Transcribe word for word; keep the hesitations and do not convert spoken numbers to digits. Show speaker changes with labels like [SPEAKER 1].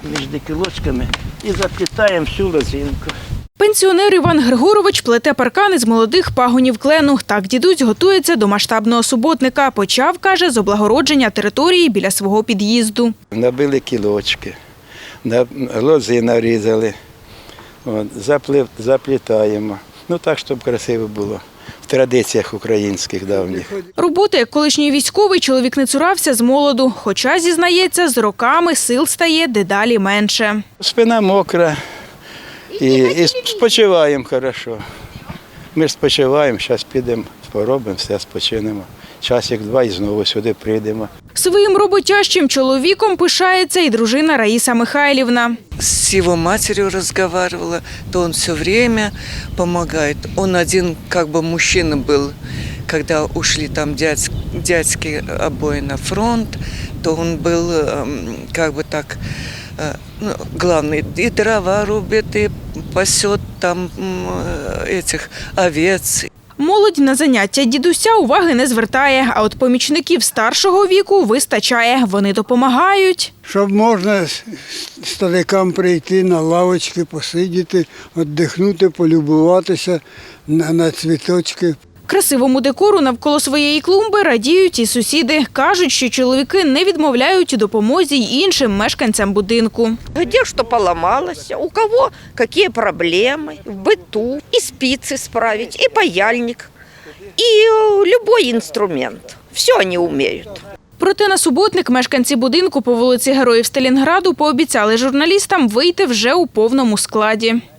[SPEAKER 1] між кілочками і заплітаємо всю лозинку.
[SPEAKER 2] Пенсіонер Іван Григорович плете паркани з молодих пагонів клену. Так дідусь готується до масштабного суботника. Почав, каже, з облагородження території біля свого під'їзду.
[SPEAKER 1] Набили кілочки, лози нарізали, от, заплив, заплітаємо. Ну так, щоб красиво було. В традиціях українських давніх.
[SPEAKER 2] Роботи, як колишній військовий, чоловік не цурався з молоду. Хоча, зізнається, з роками сил стає дедалі менше.
[SPEAKER 1] Спина мокра і, і спочиваємо хорошо. Ми ж спочиваємо, зараз підемо, поробимо, все, спочинемо. Часик-два і знову сюди прийдемо.
[SPEAKER 2] Своїм роботящим чоловіком пишається і дружина Раїса Михайлівна.
[SPEAKER 3] С его матерью разговаривала, то он все время помогает. Он один как бы мужчина был, когда ушли там дядь, дядьки обои на фронт, то он был как бы так, ну, главный, и дрова рубит, и пасет там этих овец.
[SPEAKER 2] Молодь на заняття дідуся уваги не звертає, а от помічників старшого віку вистачає. Вони допомагають.
[SPEAKER 4] Щоб можна старикам прийти на лавочки, посидіти, віддихнути, полюбуватися на, на цвіточки.
[SPEAKER 2] Красивому декору навколо своєї клумби радіють і сусіди. Кажуть, що чоловіки не відмовляють у допомозі й іншим мешканцям будинку.
[SPEAKER 5] Где что поломалось, у кого какие проблемы в быту, и спицы справить, и паяльник, и любой инструмент. Все они умеют.
[SPEAKER 2] Проте на суботник мешканці будинку по вулиці Героїв Сталінграду пообіцяли журналістам вийти вже у повному складі.